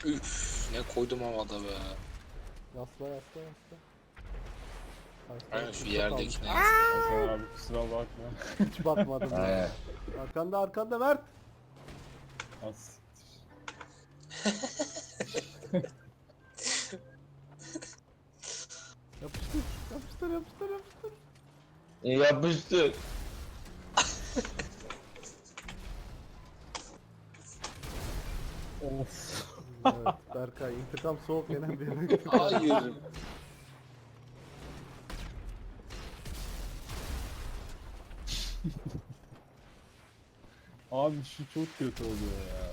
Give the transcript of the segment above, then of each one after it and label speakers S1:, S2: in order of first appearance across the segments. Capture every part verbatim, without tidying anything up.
S1: Üf, ne koydum havada be.
S2: Yasla yasla yasla.
S1: Aynen şu yerdekine.
S3: Hasan abi kusura bakma.
S2: Hiç bakmadım ya.
S4: Aynen.
S2: Arkanda arkanda Mert.
S3: Az.
S2: Yapıştır yapıştır yapıştır yapıştır.
S4: Yapıştır.
S3: Of.
S2: Evet Berkay intikam soğuk yenen bir yemek.
S1: Hayır.
S3: Abi şu çok kötü oluyor ya.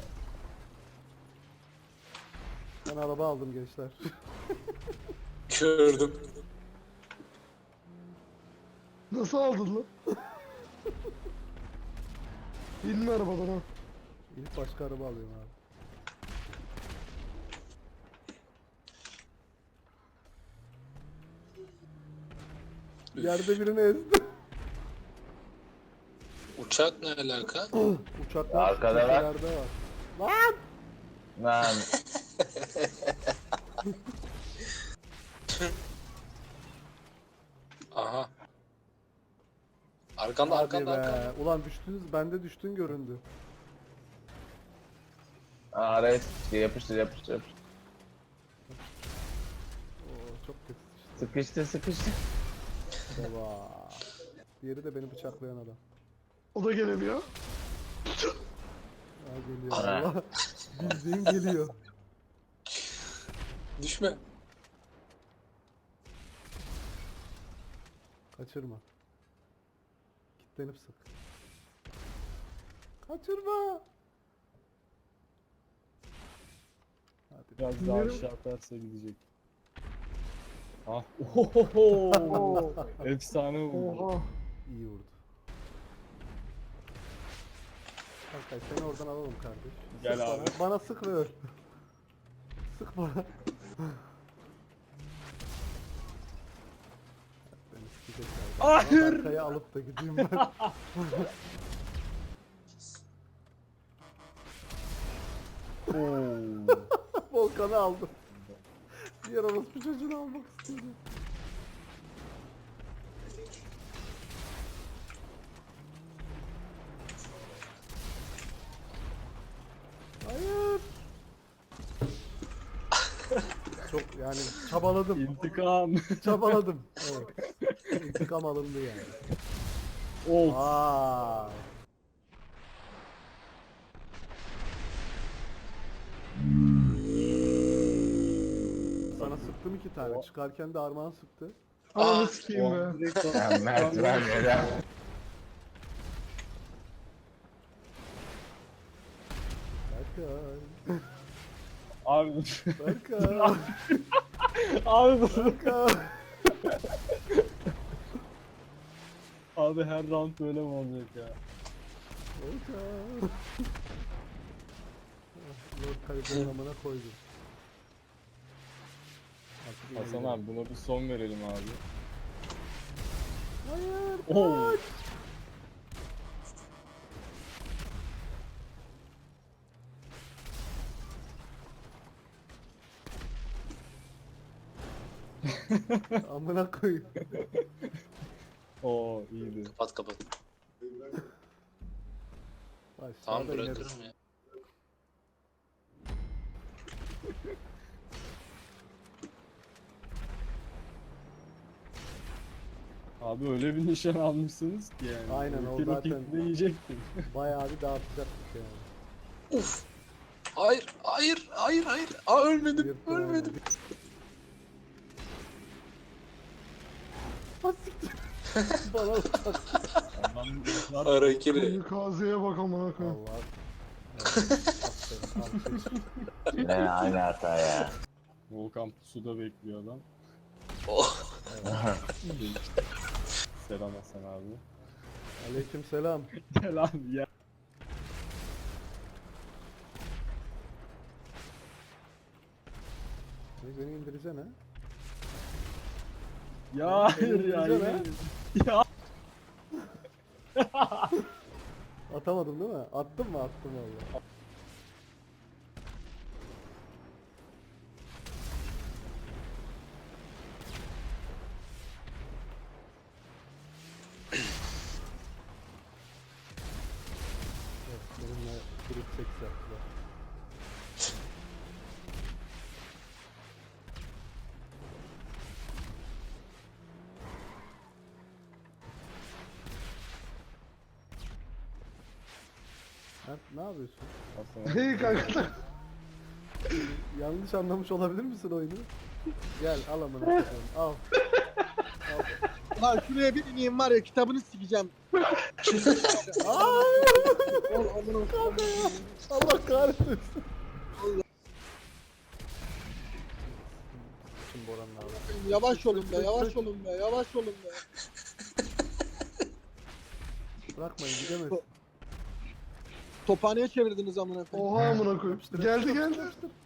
S2: Ben araba aldım gençler.
S1: Gördüm.
S5: Nasıl aldın lan? İnme arabadan ha.
S2: İlk başka araba alıyorum abi. Yerde birini ezdi.
S1: Uçak ne alaka?
S2: Uçaklar
S4: Arkada var.
S2: köşelerde var. Lan!
S4: Lan.
S1: Aha. Arkanda
S2: Hadi
S1: arkanda
S2: be.
S1: arkanda.
S2: Ulan düştünüz, bende düştün göründü.
S4: Araya sıkıştır, yapıştır, yapıştır, yapıştır.
S2: Oo, çok kötü işte.
S4: Sıkıştır, sıkıştır.
S2: Baba. Diğeri de beni bıçaklayan adam.
S5: O da gelemiyor.
S2: Ha geliyor
S4: Ana.
S2: Allah. Bildiğin geliyor.
S1: Düşme.
S2: Kaçırma. Kitlenip sık. Kaçırma. Hadi.
S3: Biraz daha aşağı atarsa gidecek. Ah. Ohoho. Efsane vurdu.
S5: Oha.
S2: İyi vurdu. Berkay seni oradan alalım kardeş.
S3: Gel
S2: Sık
S3: abi.
S2: Bana, bana sık ve öl. Sık bana. Beni sikecek galiba.
S3: Hayır.
S2: Berkay'ı alıp da gideyim ben.
S3: Oo.
S2: Volkan'ı aldım. Diğer orospu çocuğunu almak istedim. Hayır. Çok yani çabaladım.
S3: İntikam.
S2: Çabaladım. Evet. İntikam alındı yani.
S3: Of.
S2: Vay. Sana sıktım iki tane. Çıkarken de Armağan sıktı.
S5: Ananı
S1: Aa,
S5: sikeyim
S3: O
S5: be.
S3: an direkt
S4: Ya Mert ben neden?
S2: Berkay.
S3: Abi.
S2: Berkay.
S3: Abi.
S2: Berkay.
S3: Abi her round böyle mi olacak ya?
S2: Berkay. Lord Kaliber'in amına koydum. Artık yine
S3: Hasan
S2: gidelim.
S3: abi buna bir son verelim abi.
S2: Hayır.
S3: Oo.
S2: kaç. Amına koyayım.
S3: Oo iyiydi.
S1: Kapat kapat.
S2: Aşağıda
S1: Tamam
S2: ineriz.
S1: bırakırım ya.
S3: Abi öyle bir nişan almışsınız ki yani.
S2: Aynen, o
S3: Ulti
S2: zaten-
S3: roketini yiyecektim.
S2: Bayağı bir dağıtacaktık yani.
S1: Uf. Hayır, hayır, hayır, hayır. Aa ölmedim,
S2: Yırttın
S1: ölmedim.
S2: Ha siktir. Bana bak.
S3: Ondan bunlar
S1: Ara ikili.
S5: Kamikazeye bak amına koyayım.
S2: Allah. Evet, aferin, aferin.
S4: Ne aynı hata ya.
S3: Volkan pusuda bekliyor adam.
S1: Oh.
S3: Selam Hasan abi.
S2: Aleyküm selam.
S3: Gel abi ya.
S2: Beni indireceksin ha.
S3: Ya hayır ya.
S2: Güzel
S3: yine- Ya.
S2: Atamadım değil mi? Attım mı? Attım valla. Ne yapıyorsun?
S3: Aslında.
S5: Hey kanka.
S2: Yanlış anlamış olabilir misin oyunu? Gel al amına koyayım. Al.
S6: Lan şuraya bir ineyim var ya kitabını sikeceğim.
S2: Aa!
S6: Ol amına
S2: Kanka ya. Allah kahretsin. Şimdi Boran'la abi.
S6: koyayım. Yavaş olun be, yavaş olun be, yavaş olun be.
S2: Bırakmayın gidemezsin.
S6: Tophaneye çevirdiniz amına koyayım.
S5: Oha amına koyayım. Geldi geldi.
S2: Yapıştır.